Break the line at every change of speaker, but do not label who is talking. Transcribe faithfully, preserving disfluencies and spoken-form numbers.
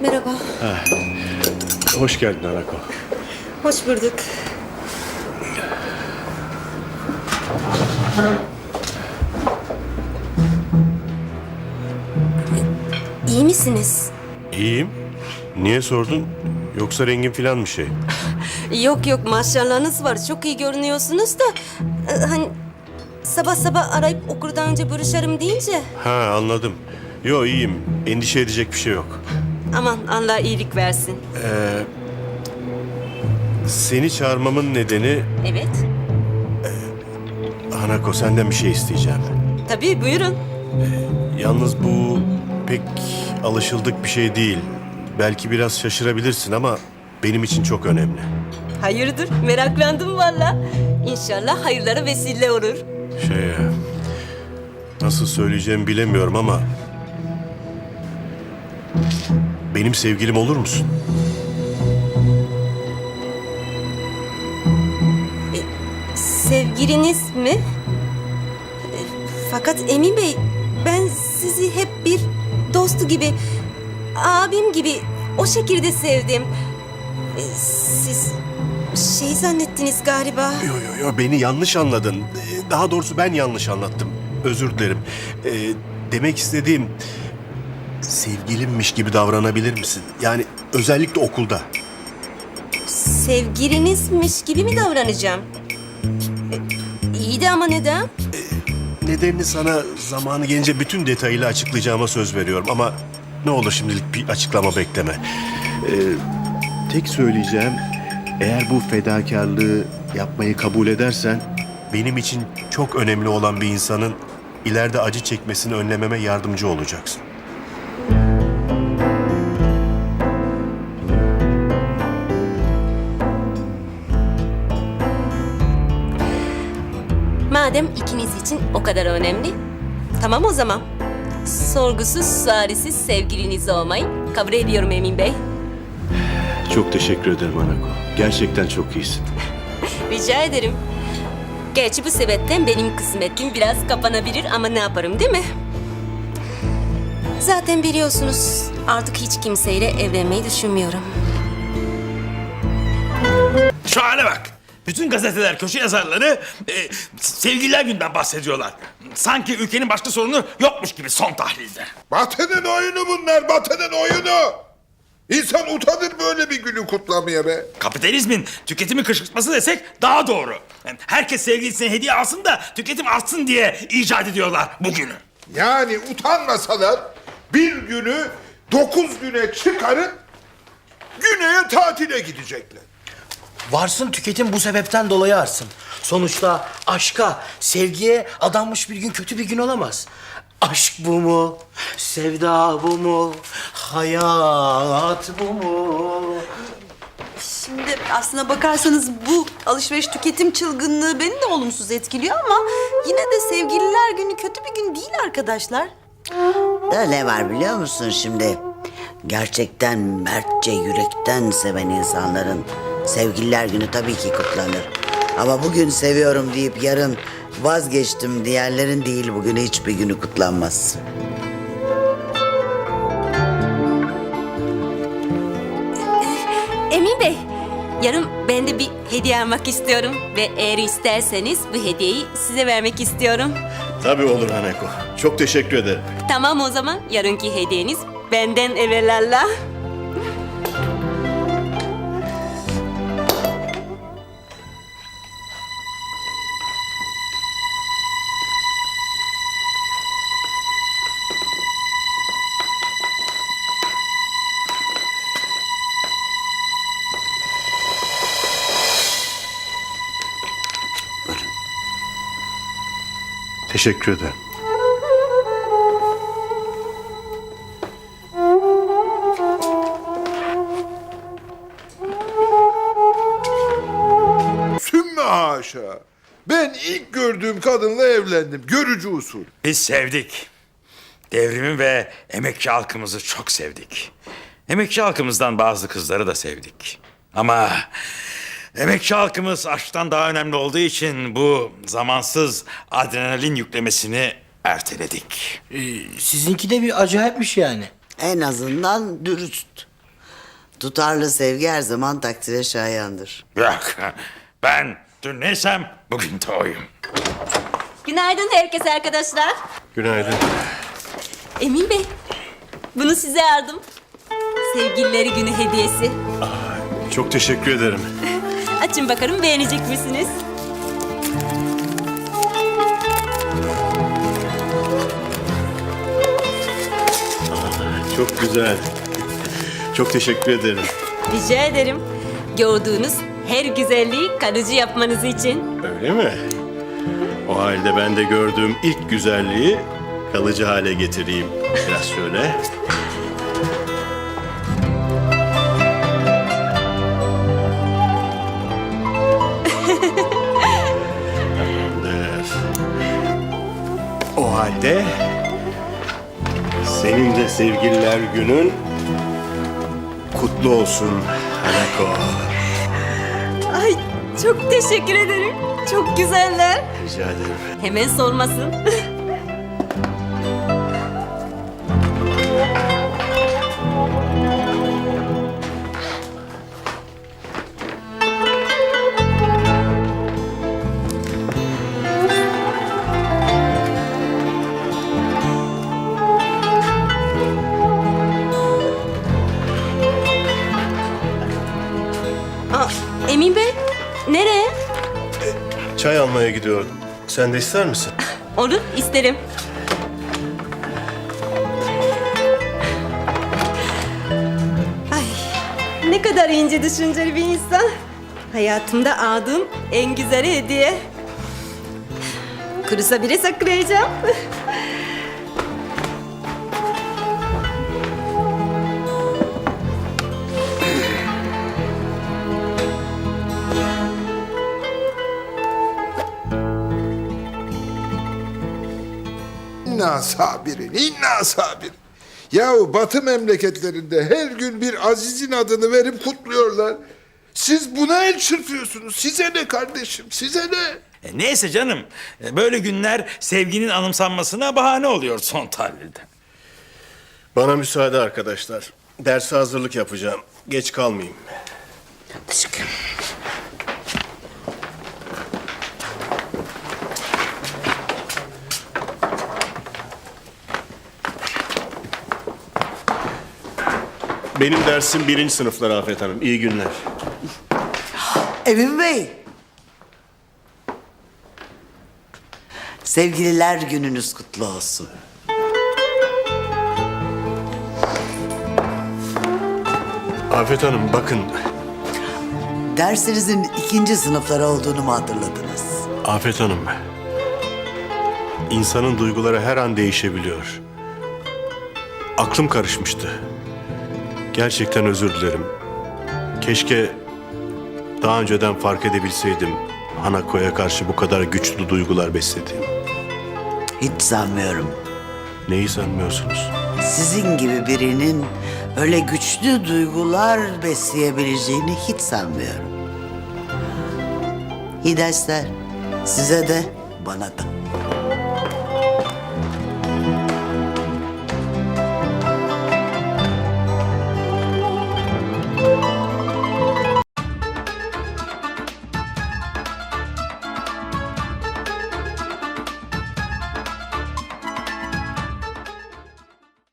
Merhaba.
Ha. Hoş geldin Anako.
Hoş bulduk. İyi misiniz?
İyiyim. Niye sordun? Yoksa rengin falan bir şey?
Yok yok, maşallahınız var. Çok iyi görünüyorsunuz da... e, Hani sabah sabah arayıp okurdan önce görüşerim deyince...
Ha, anladım. Yo, iyiyim. Endişe edecek bir şey yok.
Aman Allah iyilik versin.
Ee, seni çağırmamın nedeni...
Evet.
Hanako, senden bir şey isteyeceğim.
Tabii, buyurun.
Yalnız bu pek alışıldık bir şey değil. Belki biraz şaşırabilirsin ama benim için çok önemli.
Hayırdır? Meraklandım valla. İnşallah hayırlara vesile olur.
Şey, e, nasıl söyleyeceğimi bilemiyorum ama... Benim sevgilim olur musun?
Sevgiliniz mi? E, Fakat Emin Bey, ben sizi hep bir dostu gibi, abim gibi o şekilde sevdim. E, Siz şey zannettiniz galiba.
Yo yo yo, beni yanlış anladın. Ee, Daha doğrusu ben yanlış anlattım. Özür dilerim. Ee, demek istediğim... Sevgilimmiş gibi davranabilir misin? Yani özellikle okulda.
Sevgilinizmiş gibi mi davranacağım? E, İyi de ama neden?
Nedenini sana zamanı gelince bütün detayıyla açıklayacağıma söz veriyorum. Ama ne olur şimdilik bir açıklama bekleme. Ee, tek söyleyeceğim, eğer bu fedakarlığı yapmayı kabul edersen... benim için çok önemli olan bir insanın ileride acı çekmesini önlememe yardımcı olacaksın.
Madem ikiniz için o kadar önemli, tamam o zaman. Sorgusuz, sualsiz sevgiliniz olmayı kabul ediyorum Emin Bey.
Çok teşekkür ederim Anako. Gerçekten çok iyisin.
Rica ederim. Gerçi bu sebepten benim kısmetim biraz kapanabilir ama ne yaparım, değil mi? Zaten biliyorsunuz artık hiç kimseyle evlenmeyi düşünmüyorum.
Şu hale bak. Bütün gazeteler, köşe yazarları e, sevgililer günden bahsediyorlar. Sanki ülkenin başka sorunu yokmuş gibi son tahlilde.
Batı'nın oyunu bunlar, Batı'nın oyunu. İnsan utanır böyle bir günü kutlamaya be.
Kapitalizmin tüketimi kışkırtması desek daha doğru. Yani herkes sevgilisine hediye alsın da tüketim artsın diye icat ediyorlar bugünü.
Yani utanmasalar bir günü dokuz güne çıkarıp güneye tatile gidecekler.
Varsın tüketim bu sebepten dolayı artsın. Sonuçta aşka, sevgiye adanmış bir gün kötü bir gün olamaz. Aşk bu mu? Sevda bu mu? Hayat bu mu?
Şimdi aslına bakarsanız bu alışveriş tüketim çılgınlığı beni de olumsuz etkiliyor ama yine de sevgililer günü kötü bir gün değil arkadaşlar.
Da ne var biliyor musun şimdi? Gerçekten mertçe yürekten seven insanların sevgililer günü tabii ki kutlanır. Ama bugün seviyorum deyip yarın vazgeçtim diğerlerin değil, bugün hiçbir günü kutlanmaz.
Emin Bey, yarın ben de bir hediye almak istiyorum ve eğer isterseniz bu hediyeyi size vermek istiyorum.
Tabii olur Hanako. Çok teşekkür ederim.
Tamam o zaman, yarınki hediyeniz benden evelallah.
Teşekkür ederim.
Sümme haşa. Ben ilk gördüğüm kadınla evlendim. Görücü usul.
Biz sevdik. Devrimi ve emekçi halkımızı çok sevdik. Emekçi halkımızdan bazı kızları da sevdik. Ama emekçi halkımız aşktan daha önemli olduğu için bu zamansız adrenalin yüklemesini erteledik.
Ee, sizinki de bir acayipmiş yani.
En azından dürüst. Tutarlı sevgi her zaman takdire şayandır.
Yok. Ben dün neysem bugün de oyum.
Günaydın herkese arkadaşlar.
Günaydın.
Emin Bey, bunu size yardım. Sevgilileri günü hediyesi.
Çok teşekkür ederim.
Açın bakalım, beğenecek misiniz?
Çok güzel. Çok teşekkür ederim.
Rica ederim. Gördüğünüz her güzelliği kalıcı yapmanız için.
Öyle mi? O halde ben de gördüğüm ilk güzelliği kalıcı hale getireyim. Biraz şöyle. Tamamdır. O halde senin de sevgililer günün kutlu olsun Hanako.
Ay, çok teşekkür ederim. Çok güzeller.
Rica ederim.
Hemen solmasın. Aa, Emin Bey, nereye?
Çay almaya gidiyordum. Sen de ister misin?
Olur, isterim. Ay, ne kadar ince düşünceli bir insan. Hayatımda aldığım en güzel hediye. Kurusa bile saklayacağım.
İnna sabirin, inna sabirin. Yahu Batı memleketlerinde her gün bir azizin adını verip kutluyorlar. Siz buna el çırpıyorsunuz. Size ne kardeşim, size ne?
E, neyse canım. e, Böyle günler sevginin anımsanmasına bahane oluyor son tahlilde.
Bana müsaade arkadaşlar. Derse hazırlık yapacağım. Geç kalmayayım. Benim dersim birinci sınıflar Afet Hanım. İyi günler.
Emin Bey. Sevgililer gününüz kutlu olsun.
Afet Hanım bakın.
Dersinizin ikinci sınıflar olduğunu mu hatırladınız?
Afet Hanım. İnsanın duyguları her an değişebiliyor. Aklım karışmıştı. Gerçekten özür dilerim. Keşke daha önceden fark edebilseydim Hanako'ya karşı bu kadar güçlü duygular beslediğim.
Hiç sanmıyorum.
Neyi sanmıyorsunuz?
Sizin gibi birinin öyle güçlü duygular besleyebileceğini hiç sanmıyorum. İyi dersler. Size de bana da.